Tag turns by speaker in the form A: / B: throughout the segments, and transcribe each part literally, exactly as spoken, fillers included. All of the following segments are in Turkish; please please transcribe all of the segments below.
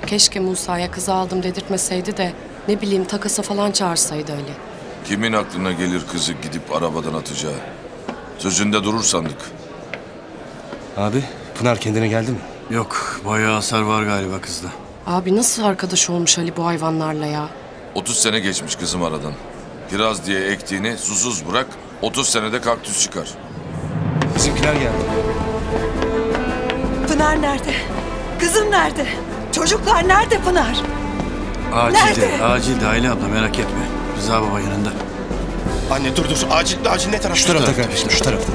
A: Keşke Musa'ya kızı aldım dedirtmeseydi de ne bileyim takasa falan çağırsaydı Ali.
B: Kimin aklına gelir kızı gidip arabadan atacağı? Sözünde durur sandık.
C: Abi Pınar kendine geldi mi?
D: Yok, bayağı hasar var galiba kızda.
A: Abi nasıl arkadaş olmuş Ali bu hayvanlarla ya?
B: otuz sene geçmiş kızım aradan. Kiraz diye ektiğini susuz bırak, otuz senede kaktüs çıkar.
C: Bizimkiler geldi.
E: Pınar nerede? Kızım nerede? Çocuklar nerede Pınar?
D: Acilde,
E: Nerede?
D: acilde Ayla abla merak etme. Rıza baba yanında.
F: Anne dur dur. Acil, acil ne tarafta?
C: Şu tarafta kardeşim, şu tarafta.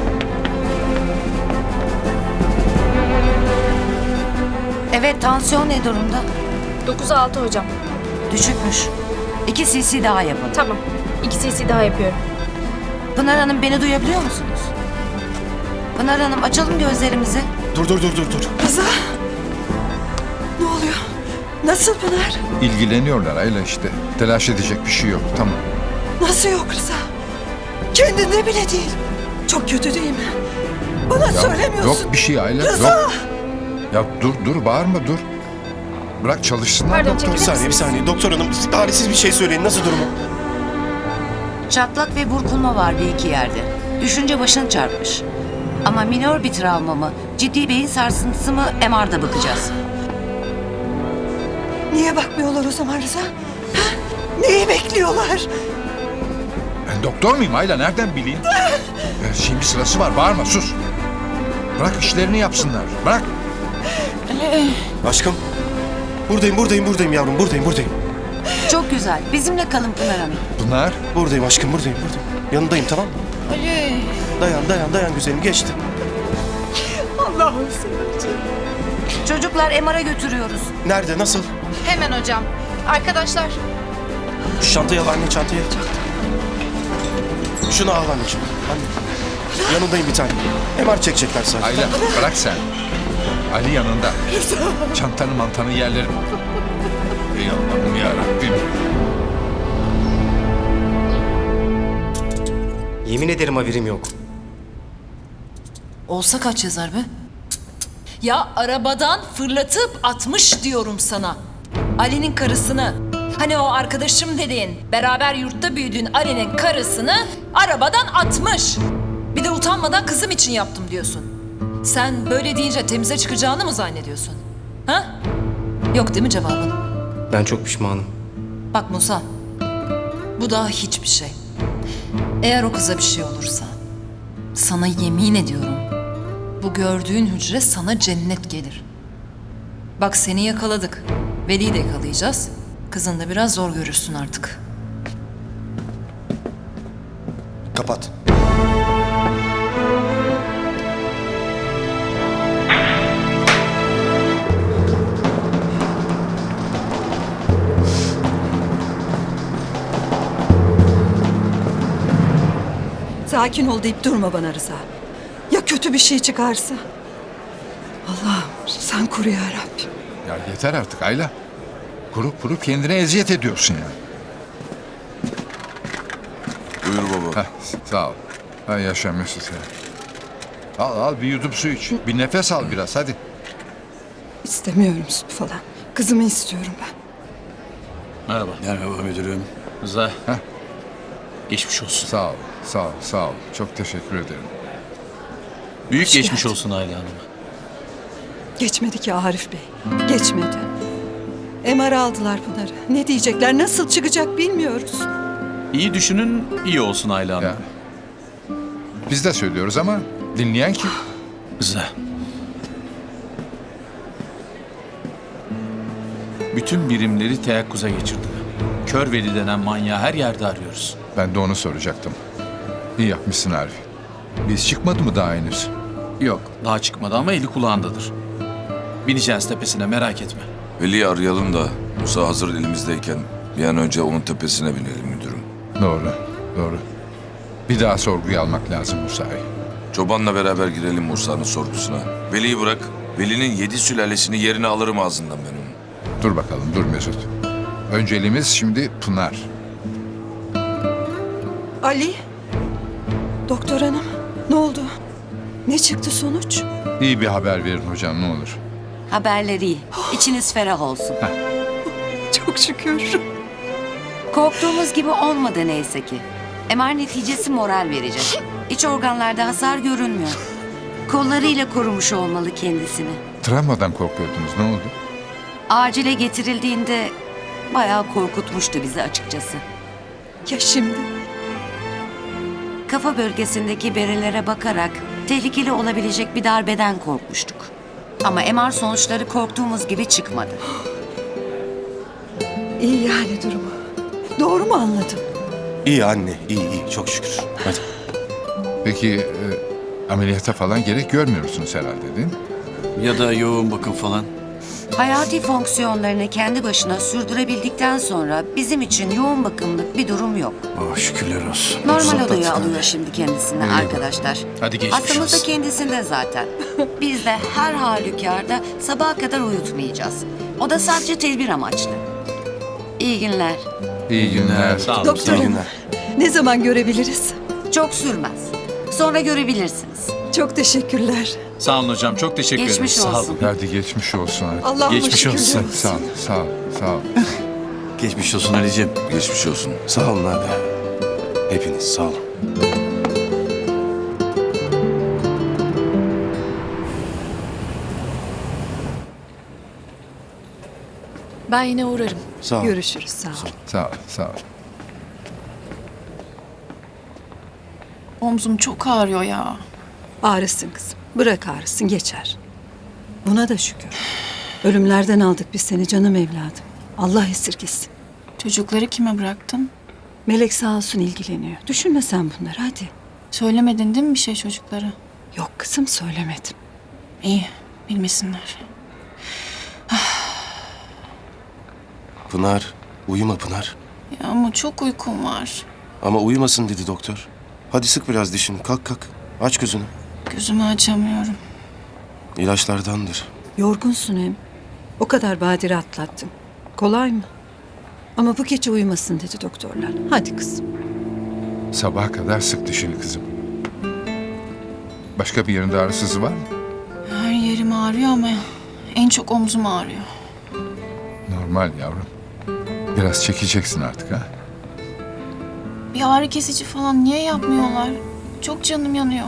G: Evet, tansiyon ne durumda?
H: dokuz altı hocam.
G: Düşükmüş. İki cc daha yapalım.
H: Tamam. iki cc daha yapıyorum.
G: Pınar Hanım, beni duyabiliyor musunuz? Pınar Hanım, açalım gözlerimizi.
F: Dur dur dur dur dur.
E: Rıza. Ne oluyor? Nasıl Pınar?
I: İlgileniyorlar Ayla işte. Telaş edecek bir şey yok. Tamam.
E: Nasıl yok Rıza? Kendinde bile değil. Çok kötü değil mi? Bana
I: Ya,
E: söylemiyorsun.
I: yok bir şey Ayla.
E: Rıza!
I: Yok. Ya dur dur bağırma dur. Bırak çalışsınlar
H: Pardon,
I: doktor.
F: Bir saniye bir saniye. Doktor hanım talihsiz bir şey söyleyin. Nasıl durumu?
G: Çatlak ve burkulma var bir iki yerde. Düşünce başını çarpmış. Ama minor bir travma mı, ciddi beyin sarsıntısı mı M R'da bakacağız.
E: Niye bakmıyorlar o zaman Rıza? Ha? Neyi bekliyorlar?
I: Ben doktor muyum Ayla? Nereden bileyim? Ya, şimdi sırası var. Bağırma sus. Bırak işlerini yapsınlar. Bırak.
F: Aşkım. Buradayım buradayım buradayım yavrum. Buradayım buradayım.
G: Çok güzel. Bizimle kalın Pınar Hanım.
I: Pınar.
F: Buradayım aşkım buradayım buradayım. Yanındayım tamam mı? Ali. Dayan dayan dayan güzelim geçti.
E: Allah'ım seni.
G: Çocuklar M R'a götürüyoruz.
F: Nerede nasıl?
H: Hemen hocam. Arkadaşlar.
F: Şu çantayı al anne çantayı. Şunu al anneciğim. Anne. Yanındayım bir tane. M R çekecekler sadece.
I: Ayla bırak sen. Ali yanında. Çantanı mantanı yerlerim. Ey Allah'ım yarabbim.
C: Yemin ederim haberim yok.
J: Olsa kaç yazar be? Ya arabadan fırlatıp atmış diyorum sana. Ali'nin karısını. Hani o arkadaşım dediğin, beraber yurtta büyüdüğün Ali'nin karısını arabadan atmış. Bir de utanmadan kızım için yaptım diyorsun. Sen böyle deyince temize çıkacağını mı zannediyorsun? Ha? Yok değil mi cevabın?
C: Ben çok pişmanım.
J: Bak Musa, bu daha hiçbir şey. Eğer o kıza bir şey olursa, sana yemin ediyorum, bu gördüğün hücre sana cennet gelir. Bak seni yakaladık, Veli'yi de yakalayacağız. Kızını da biraz zor görürsün artık.
F: Kapat.
E: Sakin ol deyip durma bana Rıza. Ya kötü bir şey çıkarsa? Allah'ım sen koru ya Rabbim.
I: Ya yeter artık Ayla. Kurup kurup kendine eziyet ediyorsun ya.
B: Buyur baba.
I: Heh, sağ ol. Ha, yaşa Mesut ya. Al al bir yudum su iç. Bir nefes al biraz hadi.
E: İstemiyorum su falan. Kızımı istiyorum ben.
D: Merhaba. Merhaba müdürüm.
K: Rıza.
I: Heh.
K: Geçmiş olsun.
I: Sağ ol, sağ ol, sağ ol. Çok teşekkür ederim.
K: Büyük
E: Hoş
K: geçmiş
E: geldin.
K: olsun Ayla Hanım'a.
E: Geçmedi ki Arif Bey. Geçmedi. M R aldılar Pınar'ı. Ne diyecekler, nasıl çıkacak bilmiyoruz.
K: İyi düşünün, iyi olsun Ayla Hanım.
I: Ya. Biz de söylüyoruz ama dinleyen kim?
K: Rıza. Bütün birimleri teyakkuza geçirdim. Kör Veli denen manyağı her yerde arıyoruz.
I: Ben de onu soracaktım. İyi yapmışsın Arif. Biz çıkmadı mı daha henüz?
K: Yok, daha çıkmadı ama eli kulağındadır. Bineceğiz tepesine, merak etme.
B: Veli'yi arayalım da Musa hazır elimizdeyken bir an önce onun tepesine binelim müdürüm.
I: Doğru, doğru. Bir daha sorguya almak lazım Musa'yı.
B: Çobanla beraber girelim Musa'nın sorgusuna. Veli'yi bırak. Veli'nin yedi sülalesini yerine alırım ağzından ben onu.
I: Dur bakalım, dur Mesut. Önceliğimiz şimdi Pınar.
E: Ali, doktor hanım ne oldu? Ne çıktı sonuç?
I: İyi bir haber verin hocam ne olur.
G: Haberler iyi. İçiniz ferah olsun.
E: Çok şükür.
G: Korktuğumuz gibi olmadı neyse ki. M R neticesi moral verecek. İç organlarda hasar görünmüyor. Kollarıyla korumuş olmalı kendisini.
I: Travmadan korkuyordunuz. Ne oldu?
G: Acile getirildiğinde bayağı korkutmuştu bizi açıkçası.
E: Ya şimdi?
G: Kafa bölgesindeki berelere bakarak tehlikeli olabilecek bir darbeden korkmuştuk. Ama M R sonuçları korktuğumuz gibi çıkmadı.
E: İyi yani durumu. Doğru mu anladım?
F: İyi anne, iyi iyi. Çok şükür. Hadi.
I: Peki e, ameliyata falan gerek görmüyorsunuz herhalde değil mi?
D: Ya da yoğun bakım falan.
G: Hayati fonksiyonlarını kendi başına sürdürebildikten sonra bizim için yoğun bakımlık bir durum yok.
D: Oh şükürler olsun.
G: Normal odaya alıyor şimdi kendisini arkadaşlar.
K: Hadi geçmiş
G: Hastamız da
K: olsun.
G: kendisinde zaten. Biz de her halükarda sabaha kadar uyutmayacağız. O da sadece tedbir amaçlı. İyi günler.
I: İyi günler.
K: Sağ olun.
E: Doktor
F: İyi
E: hanım,
F: günler.
E: ne zaman görebiliriz?
G: Çok sürmez. Sonra görebilirsiniz.
E: Çok teşekkürler.
K: Sağ olun hocam. Çok teşekkür
G: Geçmiş
K: ederiz. Sağ olun.
G: olsun.
I: Hadi geçmiş olsun. Hadi.
E: Allah'ıma
K: Geçmiş
E: şükürler
K: olsun.
I: Sağ ol, sağ ol, sağ ol.
D: Geçmiş olsun Ali'ciğim.
B: Geçmiş olsun.
F: Sağ olun abi. Hepiniz sağ olun.
A: Ben yine uğrarım.
F: Sağ ol.
E: Görüşürüz, sağ ol.
I: Sağ ol, sağ ol.
H: Omzum çok ağrıyor ya.
E: Ağrısın kızım. Bırak ağrısın, geçer. Buna da şükür. Ölümlerden aldık biz seni canım evladım. Allah esirgesin.
H: Çocukları kime bıraktın?
E: Melek sağ olsun ilgileniyor. Düşünme sen bunları, hadi.
H: Söylemedin değil mi bir şey çocuklara?
E: Yok kızım, söylemedim.
H: İyi, bilmesinler.
F: Pınar, uyuma Pınar.
H: Ya ama çok uykum var.
F: Ama uyumasın dedi doktor. Hadi sık biraz dişini. Kalk kalk. Aç gözünü.
H: Gözümü açamıyorum.
F: İlaçlardandır.
E: Yorgunsun hem. O kadar badire atlattın. Kolay mı? Ama bu gece uyumasın dedi doktorlar. Hadi kızım.
I: Sabaha kadar sık dişini kızım. Başka bir yerinde ağrısızı var mı?
H: Her yerim ağrıyor ama en çok omzum ağrıyor.
I: Normal yavrum. Biraz çekeceksin artık ha.
H: Bir ağrı kesici falan niye yapmıyorlar? Çok canım yanıyor.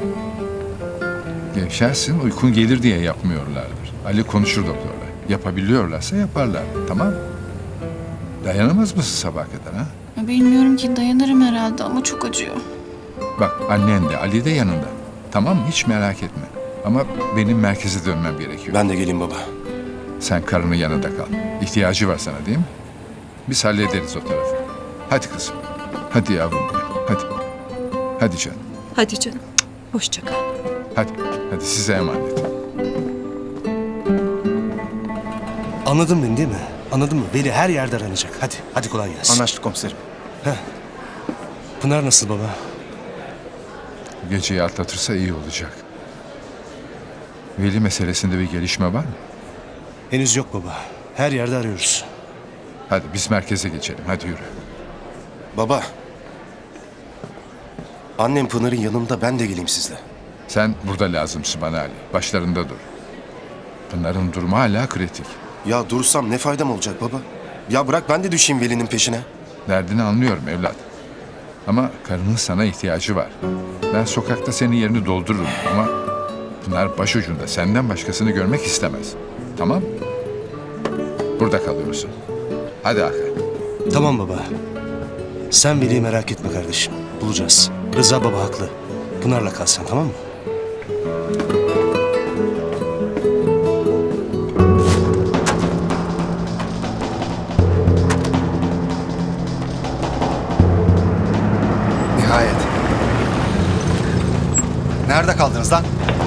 I: Gevşersin, uykun gelir diye yapmıyorlardır. Ali konuşur doktorla. Yapabiliyorlarsa yaparlar. Tamam mı? Dayanamaz mısın sabaha kadar ha?
H: Ya bilmiyorum ki, dayanırım herhalde ama çok acıyor.
I: Bak annen de Ali de yanında. Tamam mı? Hiç merak etme. Ama benim merkeze dönmem gerekiyor.
F: Ben de geleyim baba.
I: Sen karının yanında kal. İhtiyacı var sana değil mi? Biz hallederiz o tarafı. Hadi kızım. Hadi yavrum benim. Hadi. Hadi canım.
E: Hadi canım. Hoşça kal.
I: Hadi. Hadi size emanet.
C: Anladın beni değil mi? Anladın mı? Veli her yerde aranacak. Hadi, hadi kolay gelsin.
F: Anlaştık komiserim.
C: Pınar nasıl baba?
I: Bu geceyi atlatırsa iyi olacak. Veli meselesinde bir gelişme var mı?
C: Henüz yok baba. Her yerde arıyoruz.
I: Hadi biz merkeze geçelim. Hadi yürü.
F: Baba. Annem Pınar'ın yanında, ben de geleyim sizle.
I: Sen burada lazımsın bana Ali. Başlarında dur. Pınar'ın durumu hala kritik.
F: Ya dursam ne faydam olacak baba? Ya bırak ben de düşeyim Veli'nin peşine.
I: Derdini anlıyorum evlat. Ama karının sana ihtiyacı var. Ben sokakta senin yerini doldururum ama Pınar başucunda senden başkasını görmek istemez. Tamam? Burada kalıyorsun. Hadi Hakan.
C: Tamam baba. Sen Veli'yi merak etme kardeşim. Bulacağız. Rıza baba haklı. Pınar'la kalsan tamam mı?
L: Nihayet. Nerede kaldınız lan?